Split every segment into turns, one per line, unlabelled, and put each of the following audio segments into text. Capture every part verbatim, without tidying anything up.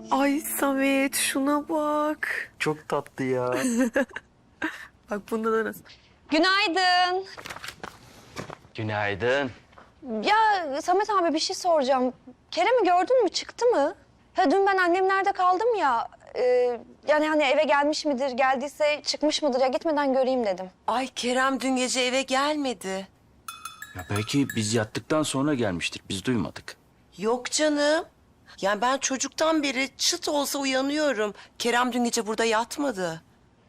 Ay Samet şuna bak.
Çok tatlı ya.
Bak bunda da nasıl?
Günaydın.
Günaydın.
Ya Samet abi bir şey soracağım. Kerem'i gördün mü? Çıktı mı? Ha, dün ben annemlerde kaldım ya. E, yani hani eve gelmiş midir? Geldiyse çıkmış mıdır? Ya gitmeden göreyim dedim.
Ay Kerem dün gece eve gelmedi.
Ya belki biz yattıktan sonra gelmiştir. Biz duymadık.
Yok canım. Yani ben çocuktan beri çıt olsa uyanıyorum. Kerem dün gece burada yatmadı.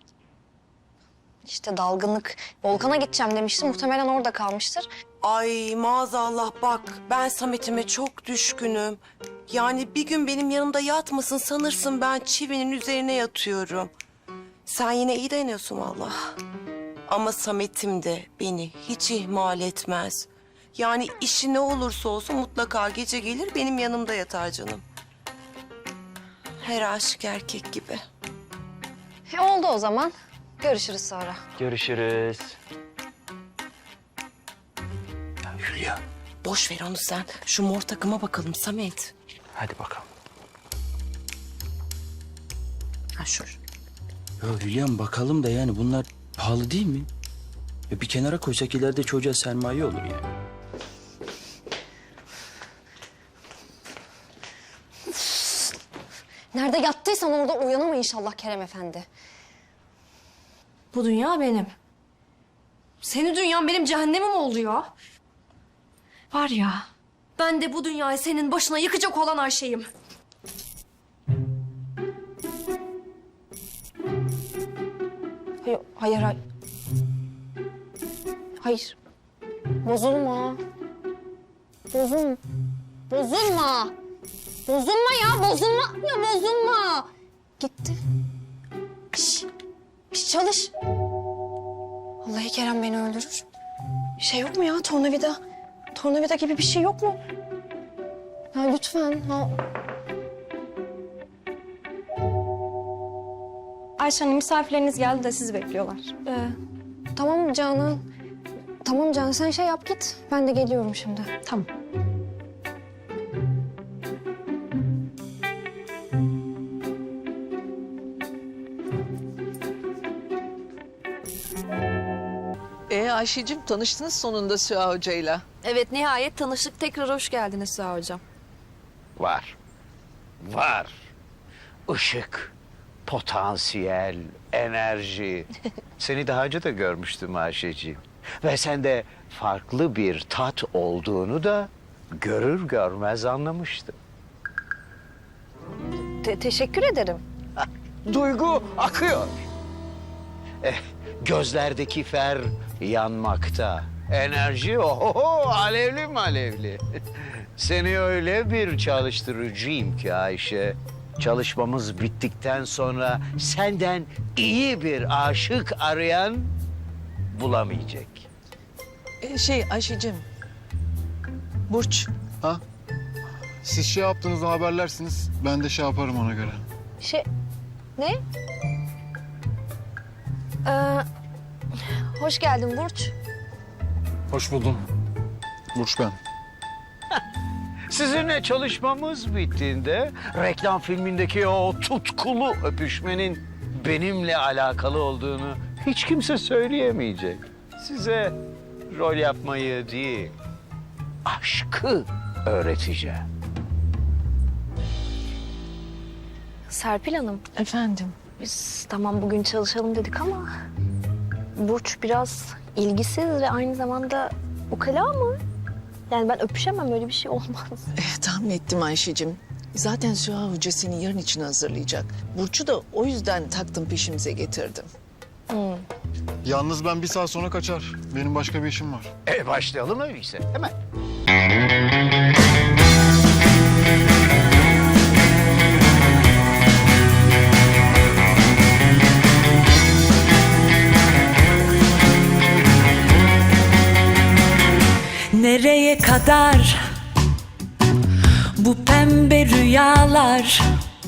İşte dalgınlık. Volkan'a gideceğim demişti. Muhtemelen orada kalmıştır.
Ay maazallah bak ben Samet'ime çok düşkünüm. Yani bir gün benim yanımda yatmasın sanırsın ben çivinin üzerine yatıyorum. Sen yine iyi dayanıyorsun vallahi. Ama Samet'im de beni hiç ihmal etmez. Yani işi ne olursa olsun mutlaka gece gelir benim yanımda yatar canım. Her aşık erkek gibi.
E, oldu o zaman. Görüşürüz sonra.
Görüşürüz. Ya Hülya.
Boş ver onu sen. Şu mor takıma bakalım Samet.
Hadi bakalım.
Ha şu.
Ya Hülya'm bakalım da yani bunlar pahalı değil mi? Ya bir kenara koysak ileride çocuğa sermaye olur yani.
Nerede yattıysan orada uyanama inşallah Kerem Efendi.
Bu dünya benim. Senin dünyan benim cehennemim oldu ya. Var ya, ben de bu dünyayı senin başına yıkacak olan Ayşe'yim.
Hayır, hayır, hayır. Hayır. Bozulma. Bozulma. Bozulma. Bozulma ya, bozulma. Ya bozulma. Gitti. Şş, şş, çalış. Vallahi Kerem beni öldürür. Bir şey yok mu ya, tornavida? Tornavida gibi bir şey yok mu? Ya lütfen. Ha.
Ayşe Hanım, misafirleriniz geldi de sizi bekliyorlar.
Ee, tamam Canan. Tamam Canan, sen şey yap git. Ben de geliyorum şimdi.
Tamam.
Ee Ayşe'cim tanıştınız sonunda Süha Hoca'yla.
Evet, nihayet tanıştık. Tekrar hoş geldiniz Süha Hocam.
Var. Var. Işık, potansiyel, enerji. Seni daha önce de görmüştüm Ayşeciğim. Ve sende farklı bir tat olduğunu da görür görmez anlamıştım.
Te- teşekkür ederim.
Duygu akıyor. Eh, gözlerdeki fer yanmakta. Enerji oho alevli mi alevli. Seni öyle bir çalıştırıcıyım ki Ayşe. Çalışmamız bittikten sonra senden iyi bir aşık arayan bulamayacak.
Ee, şey Ayşe'cim. Burç.
Ha? Siz şey yaptığınızda haberlersiniz. Ben de şey yaparım ona göre.
Şey... Ne? Ee, hoş geldin Burç.
Hoş buldum. Burç ben.
Sizinle çalışmamız bittiğinde reklam filmindeki o tutkulu öpüşmenin benimle alakalı olduğunu hiç kimse söyleyemeyecek. Size rol yapmayı değil, aşkı öğreteceğim.
Serpil Hanım,
Efendim.
biz tamam bugün çalışalım dedik ama... Burç biraz ilgisiz ve aynı zamanda ukala mı? Yani ben öpüşemem, öyle bir şey olmaz.
Eh, tahmin ettim Ayşe'cim. Zaten Süha Hoca seni yarın için hazırlayacak. Burç'u da o yüzden taktım peşimize getirdim.
Yalnız ben bir saat sonra kaçar. Benim başka bir işim var.
E başlayalım öyleyse hemen.
Nereye kadar bu pembe rüyalar?